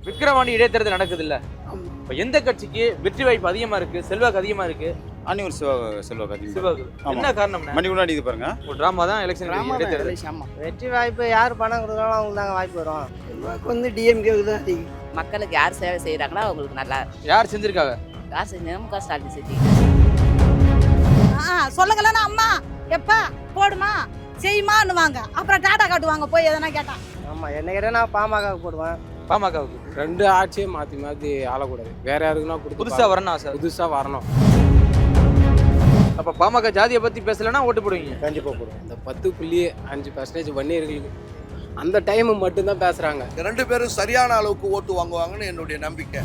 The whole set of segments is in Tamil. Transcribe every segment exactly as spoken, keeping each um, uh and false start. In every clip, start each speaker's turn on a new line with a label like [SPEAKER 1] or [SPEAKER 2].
[SPEAKER 1] விக்கிரவாண்டி இடைத்தேர்தல் நடக்குது இல்ல, இப்ப எந்த கட்சிக்கு வெற்றி வாய்ப்பு அதிகமா இருக்கு, செல்வாக்கு அதிகமா இருக்கு?
[SPEAKER 2] அன்னியூர் சிவா செல்வாக்கு அதிகம்.
[SPEAKER 1] சிவாக்கு. என்ன காரணம்?
[SPEAKER 2] மணி முன்னாடி இது பாருங்க,
[SPEAKER 1] ஒரு டிராமா தான் எலெக்ஷன் இடைத்தேர்தல்.
[SPEAKER 3] வெற்றி வாய்ப்பு யார் பணம் கொடுக்குறாங்களோ அவங்களுக்கு தாங்க வாய்ப்பு வரும். செல்வாக்கு வந்து டிஎம்கேவுக்கு தான் அதிகம்.
[SPEAKER 4] மக்களுக்கு யார் சேவை செய்கிறாங்களோ அவங்களுக்கு நல்லா.
[SPEAKER 1] யார் செஞ்சிருக்காங்க?
[SPEAKER 4] யார் செஞ்சு முக ஸ்டாலின் செஞ்சு.
[SPEAKER 5] சொல்லுங்களேன்னா அம்மா எப்பா போடுமா செய்யுமான்னுவாங்க, அப்புறம் டாடா காட்டுவாங்க போய் எதனா கேட்டா.
[SPEAKER 3] ஆமாம், என்ன கேட்டால் நான் பாமகவுக்கு போடுவேன்.
[SPEAKER 1] பாமகவுக்கு.
[SPEAKER 6] ரெண்டு ஆட்சியை மாற்றி மாற்றி ஆளக்கூடாது, வேற யாருக்குன்னா கொடுத்து
[SPEAKER 1] புதுசா வரணும் ஆசை.
[SPEAKER 6] புதுசாக வரணும்.
[SPEAKER 1] அப்ப பாமக ஜாதியை பத்தி பேசலன்னா ஓட்டு போடுவீங்க?
[SPEAKER 6] கண்டிப்பாக போடுவோம். இந்த பத்து புள்ளி அஞ்சு பர்சன்டேஜ் வன்னியர்களுக்கு அந்த டைம் மட்டும்தான் பேசுகிறாங்க.
[SPEAKER 7] ரெண்டு பேரும் சரியான அளவுக்கு ஓட்டு வாங்குவாங்கன்னு என்னுடைய நம்பிக்கை.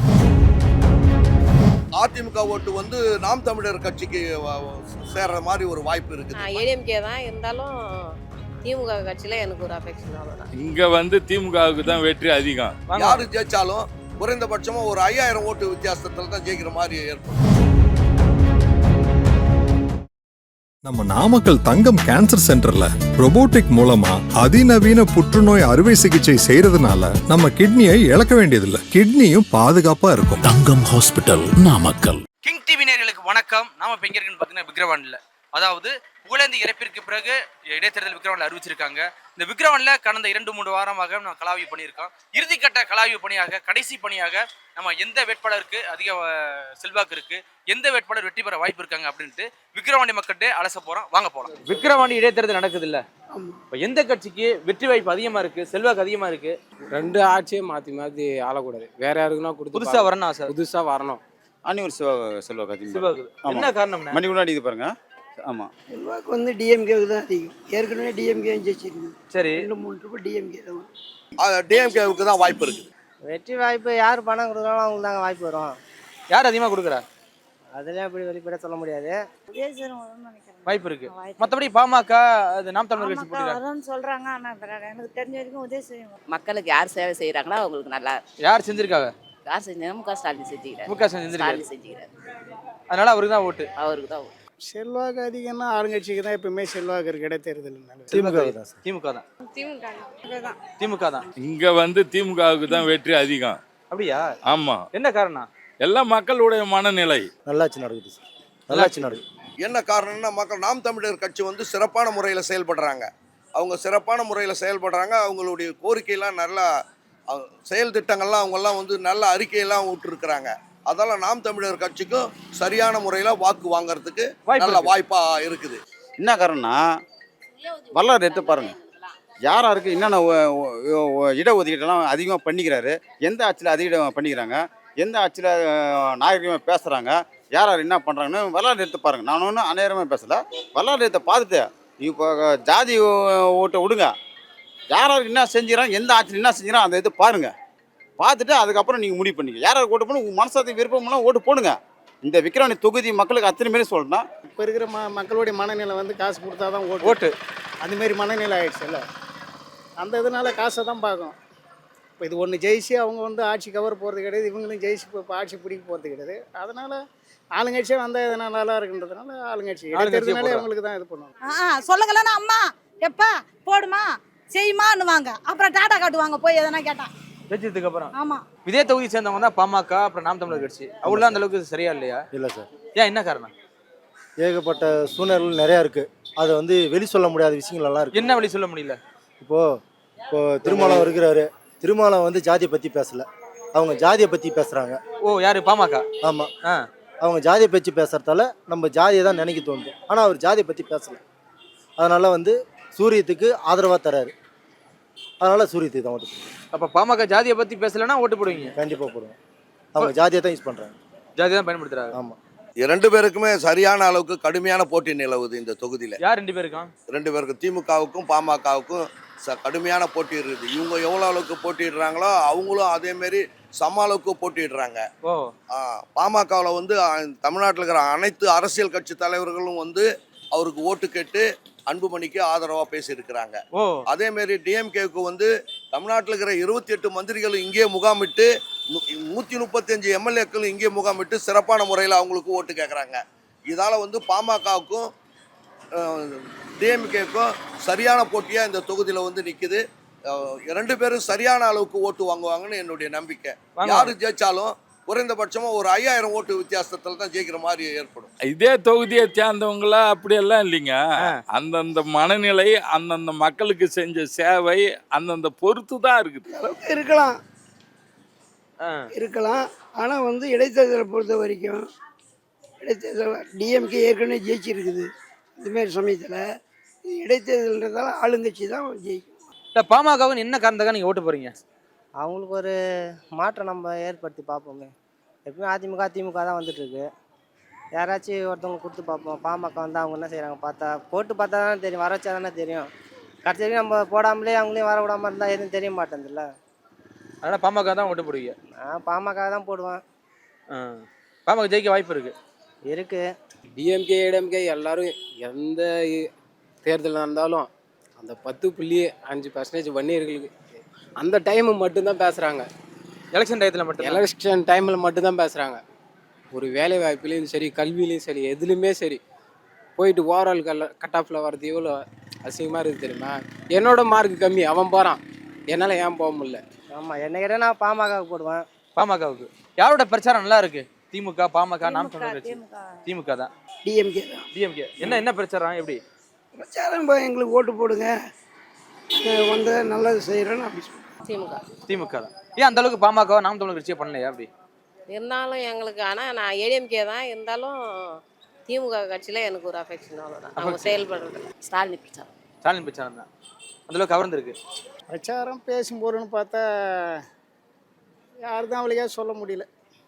[SPEAKER 7] அதிமுக ஓட்டு வந்து நாம் தமிழர் கட்சிக்கு சேர்ற மாதிரி ஒரு வாய்ப்பு இருக்குது.
[SPEAKER 4] ஏடிஎம்கே தான் இருந்தாலும் திமுக கட்சியில் எனக்கு ஒரு அஃபெக்ஷன் அவ்வளோதான்.
[SPEAKER 8] இங்கே வந்து திமுகவுக்கு தான் வெற்றி அதிகம்.
[SPEAKER 7] யாரு ஜெயிச்சாலும் குறைந்தபட்சமா ஒரு ஐயாயிரம் ஓட்டு வித்தியாசத்துல தான் ஜெயிக்கிற மாதிரி ஏற்படும்.
[SPEAKER 9] நம்ம நாமக்கல் தங்கம் கேன்சர் சென்டர்ல ரோபோட்டிக் மூலமா அதிநவீன புற்றுநோய் அறுவை சிகிச்சை செய்யறதுனால நம்ம கிட்னியை இழக்க வேண்டியதில்லை, கிட்னியும் பாதுகாப்பா இருக்கும்.
[SPEAKER 10] Thangam hospital, Namakkal.
[SPEAKER 1] King TV நேயர்களுக்கு வணக்கம். நாம இப்ப எங்க இருக்குன்னு பாத்தீங்கன்னா விக்கிரவாண்டில, அதாவது புகழேந்தி இறப்பிற்கு பிறகு இடைத்தேர்தல் விக்கிரவாண்டில் அறிவிச்சிருக்காங்க. இந்த விக்கிரவாண்டில் கடந்த இரண்டு மூன்று வாரமாக நம்ம கலாய்வு பண்ணியிருக்கோம். இறுதிக்கட்ட கலாய்வு பணியாக, கடைசி பணியாக நம்ம எந்த வேட்பாளருக்கு அதிக செல்வாக்கு இருக்கு, எந்த வேட்பாளர் வெற்றி பெற வாய்ப்பு இருக்காங்க அப்படின்ட்டு விக்கிரவாண்டி மக்கள்கிட்ட அலச போறோம். வாங்க போலாம். விக்கிரவாண்டி இடைத்தேர்தல் நடக்குது இல்ல, இப்ப எந்த கட்சிக்கு வெற்றி வாய்ப்பு அதிகமா இருக்கு, செல்வாக்கு அதிகமா இருக்கு?
[SPEAKER 6] ரெண்டு ஆட்சியை மாற்றி மாற்றி ஆளக்கூடாது, வேற யாருக்குன்னா கொடுத்து
[SPEAKER 1] புதுசா வரணும் ஆசை.
[SPEAKER 6] புதுசாக வரணும்.
[SPEAKER 2] அன்னியூர் சிவா செல்வாக்கு அதிகம்.
[SPEAKER 1] சிவாக்கு. என்ன காரணம்?
[SPEAKER 2] மணி முன்னாடி இது பாருங்க. ஆமா,
[SPEAKER 3] செல்வாக்கு வந்து டிஎம்கேவுக்கு தான் அதிகம். ஏற்கனவே டிஎம்கே ஜெயிச்சிருக்கு.
[SPEAKER 1] சரி,
[SPEAKER 3] ரெண்டு மூணு ரூபாய் டிஎம்கே தான்.
[SPEAKER 7] டிஎம்கேவுக்கு தான் வாய்ப்பு இருக்குது.
[SPEAKER 3] வெற்றி வாய்ப்பு யார் பணம் கொடுக்குறாங்களோ அவங்களுக்கு தாங்க வாய்ப்பு வரும்.
[SPEAKER 1] யார் அதிகமா கொடுக்குறா?
[SPEAKER 3] அதெல்லாம் இப்படி வெளிப்பட சொல்ல முடியாது.
[SPEAKER 1] வாய்ப்பு இருக்கு. மற்றபடி பாமக, அது நாம் தமிழர் கட்சி போட்டிருக்காங்க
[SPEAKER 5] சொல்றாங்க. ஆனா எனக்கு தெரிஞ்ச வரைக்கும் உதவி செய்யும்.
[SPEAKER 4] மக்களுக்கு யார் சேவை செய்கிறாங்களோ அவங்களுக்கு நல்லா.
[SPEAKER 1] யார் செஞ்சிருக்காங்க?
[SPEAKER 4] யார் செஞ்சு முக ஸ்டாலின் செஞ்சுக்கிறார்.
[SPEAKER 1] முக ஸ்டாலின்
[SPEAKER 4] ஸ்டாலின் செஞ்சுக்கிறார்.
[SPEAKER 1] அதனால அவருக்கு தான் ஓட்டு.
[SPEAKER 4] அவருக்கு தான் ஓட்டு.
[SPEAKER 3] செல்வாக்கு அதிகம்னா ஆளுங்கட்சிக்கு தான் எப்பவுமே செல்வாக்கு இருக்கு. இடைத்தேர்தல்
[SPEAKER 1] திமுக தான். திமுக தான். திமுக தான்.
[SPEAKER 8] இங்கே வந்து திமுகவுக்கு தான் வெற்றி அதிகம்.
[SPEAKER 1] அப்படியா?
[SPEAKER 8] ஆமா.
[SPEAKER 1] என்ன காரணம்?
[SPEAKER 8] எல்லாம் மக்களுடைய மனநிலை.
[SPEAKER 2] நல்லாச்சு நடக்குது சார், நல்லாச்சு நடக்குது.
[SPEAKER 7] என்ன காரணம்னா, மக்கள் நாம் தமிழர் கட்சி வந்து சிறப்பான முறையில் செயல்படுறாங்க. அவங்க சிறப்பான முறையில் செயல்படுறாங்க. அவங்களுடைய கோரிக்கையெல்லாம் நல்லா செயல் திட்டங்கள்லாம் அவங்கெல்லாம் வந்து நல்ல அறிக்கையெல்லாம் விட்டுருக்குறாங்க. அதெல்லாம் நாம் தமிழர் கட்சிக்கும் சரியான முறையில் வாக்கு வாங்கறதுக்கு நல்ல வாய்ப்பா இருக்குது.
[SPEAKER 2] என்ன காரணம்னா, வரலாறு எடுத்து பாருங்க, யார் யாருக்கு என்னென்ன இடஒதுக்கீட்டெல்லாம் அதிகமாக பண்ணிக்கிறாரு, எந்த ஆட்சியில் அதிக பண்ணிக்கிறாங்க, எந்த ஆட்சியில் நாகரிகமாக பேசுகிறாங்க, யார் யார் என்ன பண்ணுறாங்கன்னு வரலாறு எடுத்து பாருங்கள். நான் ஒன்றும் அநேரமாக பேசலை, வரலாறு எடுத்து பார்த்துட்டு இப்போ ஜாதி ஓட்டை விடுங்க, யார் யாருக்கு என்ன செஞ்சுக்கிறாங்க, எந்த ஆட்சியில் என்ன செஞ்சுக்கிறாங்க அதை எடுத்து பாருங்கள். பார்த்துட்டு அதுக்கப்புறம் நீங்கள் முடிவு பண்ணிக்க. யார் யாருக்கு ஓட்டு போடணும், உங்கள் மனசாத்தி விருப்பம்லாம் ஓட்டு போடுங்க. இந்த விக்கிரவாண்டி தொகுதி மக்களுக்கு அத்தனை மாரி சொல்லணும்.
[SPEAKER 3] இப்போ இருக்கிற ம மக்களுடைய மனநிலை வந்து காசு கொடுத்தா தான் ஓட்டு
[SPEAKER 1] ஓட்டு
[SPEAKER 3] அதுமாரி மனநிலை ஆகிடுச்சு இல்லை. அந்த இதனால காசை தான் பார்க்கும். இப்போ இது ஒன்று ஜெயிச்சு அவங்க வந்து ஆட்சி கவர் போகிறது கிடையாது, இவங்களும் ஜெயிச்சு இப்போ ஆட்சி பிடிக்க போகிறது கிடையாது. அதனால் ஆளுங்கட்சியே வந்தால் எதனா நல்லா இருக்குன்றதுனால ஆளுங்கட்சி இடைத்தேர்தல்னாலே அவங்களுக்கு தான் இது பண்ணுவாங்க.
[SPEAKER 5] சொல்லுங்களேன்னா அம்மா எப்பா போடுமா செய்யுமான்னுவாங்க, அப்புறம் டாடா காட்டுவாங்க போய் எதனா கேட்டா.
[SPEAKER 1] ஜெயிச்சதுக்கு அப்புறம்.
[SPEAKER 5] ஆமா,
[SPEAKER 1] இதே தொகுதி சேர்ந்தவங்க தான் பாமக, அப்புறம் நாம் தமிழர் கட்சி. அவங்களாம் அந்த அளவுக்கு சரியா இல்லையா?
[SPEAKER 11] இல்லை சார்.
[SPEAKER 1] ஏன், என்ன காரணம்?
[SPEAKER 11] ஏகப்பட்ட சூழ்நிலைகள் நிறையா இருக்குது, அதை வந்து வெளி சொல்ல முடியாத விஷயங்கள் எல்லாம் இருக்குது.
[SPEAKER 1] என்ன வெளி சொல்ல முடியல?
[SPEAKER 11] இப்போது இப்போ திருமாவளவன் இருக்கிறாரு, திருமாவளவன் வந்து ஜாதியை பற்றி பேசலை, அவங்க ஜாதியை பற்றி பேசுகிறாங்க.
[SPEAKER 1] ஓ, யாரு? பாமக.
[SPEAKER 11] ஆமாம், அவங்க ஜாதியை பற்றி பேசுகிறதால நம்ம ஜாதியை தான் நினைக்க தோணுது. ஆனால் அவர் ஜாதியை பற்றி பேசலை, அதனால் வந்து சூரியத்துக்கு ஆதரவாக தராரு, அதனால் சூரியத்துக்கு தான் ஓட்டு போடுவோம்.
[SPEAKER 1] அப்போ பாமக ஜாதியை பற்றி பேசலைன்னா ஓட்டு போடுவீங்க?
[SPEAKER 11] கண்டிப்பாக போடுவோம். அவங்க ஜாதியை தான் யூஸ் பண்ணுறாங்க,
[SPEAKER 1] ஜாதியை தான் பயன்படுத்துறாங்க.
[SPEAKER 11] ஆமாம்.
[SPEAKER 7] ரெண்டு பேருக்குமே சரியான அளவுக்கு கடுமையான போட்டி நிலவுது இந்த தொகுதியில்.
[SPEAKER 1] யார் ரெண்டு பேருக்கும்?
[SPEAKER 7] ரெண்டு பேருக்கும், திமுகவுக்கும் பாமகவுக்கும் ச கடுமையான போட்டி இருக்குது. இவங்க எவ்வளோ அளவுக்கு போட்டிடுறாங்களோ அவங்களும் அதேமாரி சம அளவுக்கு போட்டிடுறாங்க.
[SPEAKER 1] ஓ,
[SPEAKER 7] பாமகவில் வந்து தமிழ்நாட்டில் இருக்கிற அனைத்து அரசியல் கட்சி தலைவர்களும் வந்து அவருக்கு ஓட்டு கேட்டு அன்புமணிக்கு ஆதரவாக பேசியிருக்கிறாங்க. அதேமாரி டிஎம்கேவுக்கு வந்து தமிழ்நாட்டில் இருக்கிற இருபத்தி எட்டு மந்திரிகளும் இங்கே முகாமிட்டு நூற்றி முப்பத்தஞ்சு எம்எல்ஏக்களும் இங்கே முகாமிட்டு சிறப்பான முறையில் அவங்களுக்கு ஓட்டு கேட்குறாங்க. இதால் வந்து பாமகவுக்கும் டிஎம்கேக்கும் சரியான போட்டியாக இந்த தொகுதியில் வந்து நிற்குது. அஹ், ரெண்டு பேரும் சரியான அளவுக்கு ஓட்டு வாங்குவாங்கன்னு என்னுடைய நம்பிக்கை.
[SPEAKER 1] வாங்க.
[SPEAKER 7] யாரு ஜெயிச்சாலும் குறைந்தபட்சமா ஒரு ஐயாயிரம் ஓட்டு வித்தியாசத்துல தான் ஜெயிக்கிற மாதிரி ஏற்படும்.
[SPEAKER 8] இதே தொகுதியை சேர்ந்தவங்களா அப்படியெல்லாம் இல்லைங்க. அந்தந்த மனநிலை, அந்தந்த மக்களுக்கு செஞ்ச சேவை அந்தந்த பொறுத்து தான் இருக்குது.
[SPEAKER 3] இருக்கலாம்
[SPEAKER 1] ஆ.
[SPEAKER 3] இருக்கலாம் ஆனால் வந்து இடைத்தேர்தலை பொறுத்த வரைக்கும் இடைத்தேர்தல் டிஎம்கே ஏற்கனவே ஜெயிச்சிருக்குது. இதுமாரி சமயத்தில் இடைத்தேர்தல்ன்றதால ஆளுங்கட்சி தான் ஜெயிக்கும்.
[SPEAKER 1] இல்ல பாமகவுக்கு என்ன காரணத்துக்காக நீங்க ஓட்டு போறீங்க?
[SPEAKER 11] அவங்களுக்கு ஒரு மாற்றம் நம்ம ஏற்படுத்தி பார்ப்போமே. எப்பவுமே அதிமுக திமுக தான் வந்துட்டுருக்கு. யாராச்சும் ஒருத்தவங்க கொடுத்து பார்ப்போம். பாமக வந்து அவங்க என்ன செய்கிறாங்க பார்த்தா போட்டு பார்த்தா தானே தெரியும், வர வச்சா தானே தெரியும். கடைசி வரைக்கும் நம்ம போடாமலே அவங்களையும் வர விடாமல் இருந்தால் எதுவும் தெரிய மாட்டேங்குதுல்ல.
[SPEAKER 1] அதனால பாமக தான் ஓட்டு போடுவீங்க.
[SPEAKER 11] நான் பாமக தான் போடுவேன்.
[SPEAKER 1] ஆ. பாமக ஜெயிக்க வாய்ப்பு இருக்கு.
[SPEAKER 11] இருக்குது.
[SPEAKER 6] டிஎம்கே ஏடிஎம்கே எல்லாரும் எந்த இ- தேர்தல் நடந்தாலும் அந்த பத்து புள்ளி அஞ்சு பர்சன்டேஜ் வன்னியர்களுக்கு அந்த டைமு மட்டும்தான் பேசுகிறாங்க.
[SPEAKER 1] எலெக்ஷன் டயத்துல மட்டும்
[SPEAKER 6] எலெக்ஷன் டைமில் மட்டும்தான் பேசுகிறாங்க. ஒரு வேலை வாய்ப்புலேயும் சரி, கல்வியிலையும் சரி, எதுலேயுமே சரி, போயிட்டு ஓவரால் கல்ல கட் ஆஃபில் வர்றது எவ்வளோ அசிங்கமாக இருக்குது தெரியுமா? என்னோட மார்க் கம்மி, அவன் போகிறான், என்னால் ஏன் போக முடியல?
[SPEAKER 11] ஆமாம், என்ன கேட்டால் நான் பாமகவுக்கு போடுவேன்.
[SPEAKER 1] பாமகவுக்கு யாரோட பிரச்சாரம் நல்லா இருக்கு? திமுக, பாமக, நாம் தமிழர் கட்சி? திமுக தான்.
[SPEAKER 3] டிஎம்கே தான்
[SPEAKER 1] டிஎம்கே என்ன என்ன பிரச்சாரம் எப்படி?
[SPEAKER 3] பிரச்சாரம் இப்போ எங்களுக்கு ஓட்டு போடுங்க, அஹ் வந்து நல்லது செய்கிறேன்னு அப்படி சொல்லுவேன்.
[SPEAKER 4] திமுக
[SPEAKER 1] திமுக தான். ஏன் அந்த அளவுக்கு பாமக நாம் தமிழர் கட்சியை பண்ணலையா அப்படி?
[SPEAKER 4] இருந்தாலும் எங்களுக்கு ஆனால் நான் ஏடிஎம்கே தான் இருந்தாலும் திமுக கட்சியில் எனக்கு ஒரு அஃபெக்ஷன் அவ்வளோதான். அவங்க செயல்படுறது ஸ்டாலின் பிரச்சாரம்
[SPEAKER 1] ஸ்டாலின் பிரச்சாரம் தான் அந்த அளவுக்கு கவர்ந்துருக்கு.
[SPEAKER 3] பிரச்சாரம் பேசும்போதுன்னு பார்த்தா யார் தான் அவளுக்கே சொல்ல முடியல.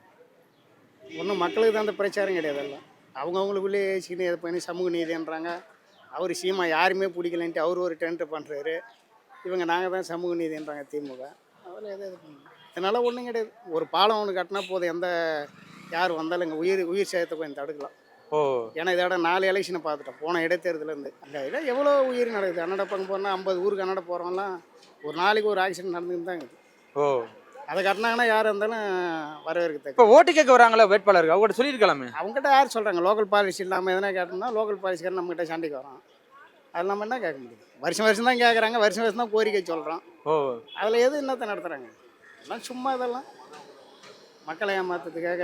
[SPEAKER 3] ஒன்றும் மக்களுக்கு தான் அந்த பிரச்சாரம் கிடையாது. எல்லாம் அவங்கவுங்களுக்குள்ளே ஏசிக்கின்னு இதை பண்ணி சமூக நீதின்றாங்க. அவர் சீமா யாருமே பிடிக்கலன்ட்டு அவர் ஒரு டென்ட்டு பண்ணுறாரு. இவங்க நாங்கள் தான் சமூக நீதின்றாங்க திமுக. அதில் எது இது பண்ண இதனால் ஒன்றும் கிடையாது. ஒரு பாலம் ஒன்று கட்டினா போதும், எந்த யார் வந்தாலும் இங்கே உயிர் உயிர் சேதத்தை கொஞ்சம் தடுக்கலாம்.
[SPEAKER 1] ஓ.
[SPEAKER 3] ஏன்னா இதோட நாலு எலெக்ஷனை பார்த்துட்டோம் போன இடைத்தேர்தலேருந்து. இந்த இதில் எவ்வளோ உயிர் நடக்குது. கன்னட பக்கம் போனால் ஐம்பது ஊருக்கு கன்னட போகிறவங்களாம் ஒரு நாளைக்கு ஒரு ஆக்சிடென்ட் நடந்துன்னு தான் இருக்குது.
[SPEAKER 1] ஓ.
[SPEAKER 3] அதை கட்டினாங்கன்னா யார் இருந்தாலும் வரவேற்க.
[SPEAKER 1] இப்போ ஓட்டு கேட்க வராங்களா வேட்பாளருக்கு, அவங்ககிட்ட சொல்லியிருக்கலாமே.
[SPEAKER 3] அவங்ககிட்ட யார் சொல்கிறாங்க? லோக்கல் பாலிசி இல்லாமல் எதனா கேட்டோம்னா லோக்கல் பாலிசிக்காரன் நம்மகிட்ட சண்டைக்கு வரோம். அது நம்ம என்ன கேட்க முடியும்? வருஷம் வருஷம் தான் கேட்குறாங்க, வருஷம் வருஷம் தான் கோரிக்கை சொல்கிறோம்.
[SPEAKER 1] ஓ.
[SPEAKER 3] அதில் எது என்னத்தை நடத்துகிறாங்க? எல்லாம் சும்மா இதெல்லாம் மக்களை ஏமாத்துறதுக்காக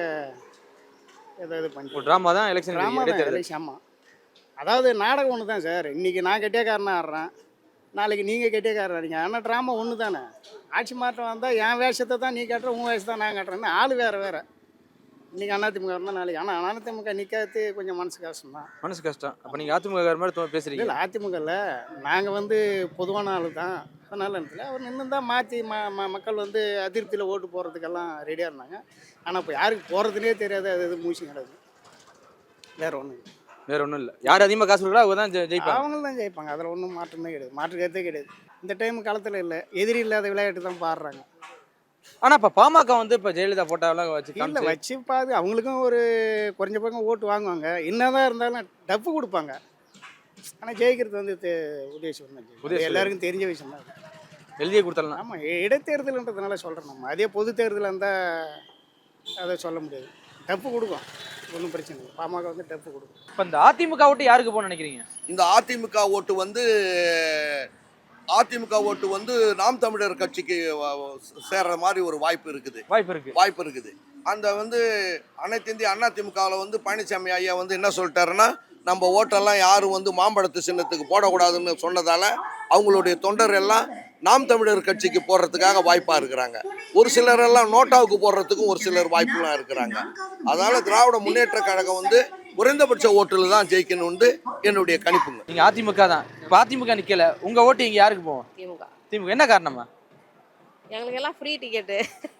[SPEAKER 3] ஏதோ இது பண்ணி
[SPEAKER 1] ட்ராமா தான் எலெக்ஷன்
[SPEAKER 3] ட்ராமா தான் எலெக்ஷன். ஆமாம், அதாவது நாடகம் ஒன்று தான் சார். இன்றைக்கி நான் கெட்டியக்காரனாக ஆடுறேன், நாளைக்கு நீங்கள் கெட்டியக்காரன் ஆடுறீங்க. ஆனால் ட்ராமா ஒன்று தானே. ஆட்சி மாற்றம் வந்தால் என் வேஷத்தை தான் நீ கட்டுற, உன் வேஷத்தை தான் நான் கட்டுறேன்னு ஆள் வேறு வேறு. இன்றைக்கி அதிமுக இருந்தால் நாளைக்கு. ஆனால் அதிமுக நிற்காது கொஞ்சம் மனசு கஷ்டம் தான்.
[SPEAKER 1] மனசு கஷ்டம். அப்போ நீங்கள் அதிமுக மாதிரி தோ- பேசுறீங்க.
[SPEAKER 3] இல்லை, அதிமுகவில் நாங்கள் வந்து பொதுவான ஆள் தான். அதனால இடத்துல அவர் நின்று தான் மாற்றி ம ம மக்கள் வந்து அதிருப்தியில் ஓட்டு போடுறதுக்கெல்லாம் ரெடியாக இருந்தாங்க. ஆனால் இப்போ யாருக்கு போகிறதுனே தெரியாது. அது இது மூச்சு கிடக்கு. வேறு ஒன்றும்
[SPEAKER 1] வேற ஒன்றும் இல்லை. யார் அதிகமாக காசு கொடுக்குறா அவங்க தான் ஜெ- ஜெயிப்பாங்க.
[SPEAKER 3] அவங்க தான் ஜெயிப்பாங்க. அதில் ஒன்றும் மாற்றமே கிடையாது. மாற்று கருத்தே கிடையாது. இந்த டைம் காலத்தில் இல்லை, எதிரி இல்லாத விளையாட்டு தான் பாடுறாங்க.
[SPEAKER 1] ஆனால் இப்போ பாமக வந்து இப்போ ஜெயலலிதா போட்டாவெல்லாம் வச்சு
[SPEAKER 3] இல்லை
[SPEAKER 1] காமிச்சு
[SPEAKER 3] வச்சு பாது அவங்களுக்கும் ஒரு குறைஞ்ச பக்கம் ஓட்டு வாங்குவாங்க. என்னதான் இருந்தாலும் டப்பு கொடுப்பாங்க. ஆனால் ஜெயிக்கிறது வந்து உதயசூரன் தான் ஜெயிக்கும்.
[SPEAKER 1] உதயசூரன்.
[SPEAKER 3] எல்லாருக்கும் தெரிஞ்ச விஷயம் தான்.
[SPEAKER 1] எழுதியே கொடுத்துடலாம்.
[SPEAKER 3] ஆமாம், இடைத்தேர்தல்ன்றதுனால சொல்கிறேன். நம்ம அதே பொது தேர்தல் இருந்தால் அதை சொல்ல முடியாது. டப்பு கொடுக்கும், ஒன்றும் பிரச்சனை இல்லை. பாமக வந்து டப்பு கொடுக்கும்.
[SPEAKER 1] இப்போ இந்த அதிமுக ஓட்டு யாருக்கு போகணும்னு நினைக்கிறீங்க?
[SPEAKER 7] இந்த அதிமுக ஓட்டு வந்து அதிமுக ஓட்டு வந்து நாம் தமிழர் கட்சிக்கு வ- வ- சேர்ற மாதிரி ஒரு வாய்ப்பு இருக்குது.
[SPEAKER 1] வாய்ப்பு இருக்கு.
[SPEAKER 7] வாய்ப்பு இருக்குது. அந்த வந்து அனைத்து இந்திய அண்ணா திமுகவில் வந்து பழனிசாமி ஐயா வந்து என்ன சொல்லிட்டாருன்னா, நம்ம ஓட்டெல்லாம் யாரும் வந்து மாம்பழத்து சின்னத்துக்கு போடக்கூடாதுன்னு சொன்னதால அவங்களுடைய தொண்டர் எல்லாம் நாம் தமிழர் கட்சிக்கு போடுறதுக்காக வாய்ப்பாக இருக்கிறாங்க. ஒரு சிலர் எல்லாம் நோட்டாவுக்கு போடுறதுக்கும் ஒரு சிலர் வாய்ப்புலாம் இருக்கிறாங்க. அதனால திராவிட முன்னேற்ற கழகம் வந்து குறைந்தபட்ச ஓட்டில் தான் ஜெயிக்கணும்னு என்னுடைய கணிப்புங்க.
[SPEAKER 1] நீங்கள் அதிமுக தான். இப்போ அதிமுக நிற்கல, உங்கள் ஓட்டு இங்கே யாருக்கு போவோம்?
[SPEAKER 4] திமுக.
[SPEAKER 1] திமுக. என்ன காரணமா?
[SPEAKER 4] எங்களுக்கு எல்லாம் ஃப்ரீ டிக்கெட்டு,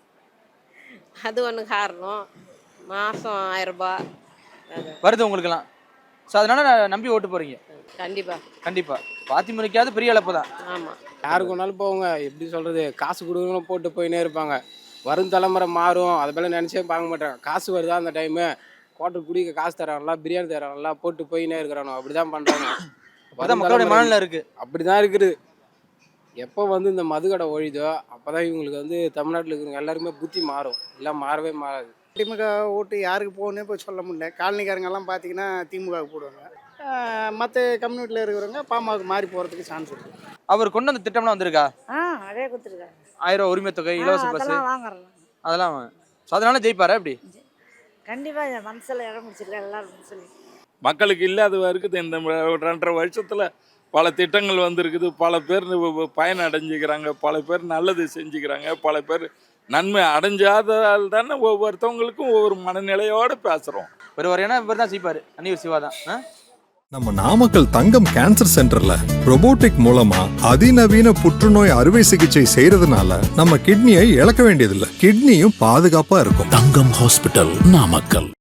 [SPEAKER 4] அது ஒன்று காரணம். மாதம் ஆயிரம் ரூபாய் அது
[SPEAKER 1] வருது உங்களுக்கெல்லாம். ஸோ அதனால நான் நம்பி ஓட்டு போகிறீங்க.
[SPEAKER 4] கண்டிப்பாக.
[SPEAKER 1] கண்டிப்பாக. அதிமுகவுக்காவது பெரிய இழப்பு தான்.
[SPEAKER 4] ஆமாம்,
[SPEAKER 6] யாருக்கு வேணாலும் போவாங்க. எப்படி சொல்கிறது, காசு கொடுக்கணும் போட்டு போயினே இருப்பாங்க. வரும் தலைமுறை மாறும், அதை போல நினச்சே பார்க்க மாட்டாங்க. காசு வருதா அந்த டைமு, கோட்டை குடிக்க காசு தராங்களா, பிரியாணி தராங்களா, போட்டு போயினே இருக்கிறானோ, அப்படி தான் பண்ணுறாங்க.
[SPEAKER 1] அதான் மக்களுடைய மனநிலை இருக்குது.
[SPEAKER 6] அப்படி தான் இருக்குது. எப்போ வந்து இந்த மதுக்கடை ஒழிதோ அப்போ தான் இவங்களுக்கு வந்து தமிழ்நாட்டில் இருக்கிறவங்க எல்லாருமே புத்தி மாறும். இல்லை மாறவே மாறாது.
[SPEAKER 3] திமுக ஓட்டு யாருக்கு போகணுன்னு இப்போ சொல்ல முடியல. காலனிக்காரங்கெல்லாம் பார்த்தீங்கன்னா திமுகவுக்கு போடுவாங்க. மற்ற கம்யூனிட்டியில் இருக்கிறவங்க பாமக மாறி போகிறதுக்கு சான்ஸ் இருக்குது.
[SPEAKER 1] அவர் கொண்டு வந்த திட்டம்லாம் வந்திருக்கா?
[SPEAKER 5] ஆ அதே கொடுத்துருக்காங்க.
[SPEAKER 1] ஆயிரம் ரூபா உரிமை தொகை, இலவச பஸ்,
[SPEAKER 5] அதெல்லாம் வாங்குறோம்.
[SPEAKER 1] அதெல்லாம் ஸோ அதனால ஜெயிப்பாரா எப்படி?
[SPEAKER 5] கண்டிப்பாக என் மனசில் இடம் முடிச்சிருக்கேன் எல்லாரும் சொல்லி.
[SPEAKER 8] மக்களுக்கு இல்லாத இருக்குது. இந்த ரெண்டரை வருஷத்தில் பல திட்டங்கள் வந்திருக்குது. பல பேர் பயன் அடைஞ்சிக்கிறாங்க, பல பேர் நல்லது செஞ்சுக்கிறாங்க, பல பேர் நன்மை அடைஞ்சாதால் தானே ஒவ்வொருத்தவங்களுக்கும் ஒவ்வொரு மனநிலையோடு பேசுகிறோம்.
[SPEAKER 1] ஒரு வரையான இவர் தான் ஜெயிப்பார், அன்னியூர் சிவா தான்.
[SPEAKER 9] நம்ம நாமக்கல் தங்கம் கேன்சர் சென்டர்ல robotic மூலமா அதிநவீன புற்றுநோய் அறுவை சிகிச்சை செய்யறதுனால நம்ம கிட்னியை இழக்க வேண்டியதில்லை. கிட்னியும் பாதுகாப்பா இருக்கும்.
[SPEAKER 10] தங்கம் ஹாஸ்பிட்டல், நாமக்கல்.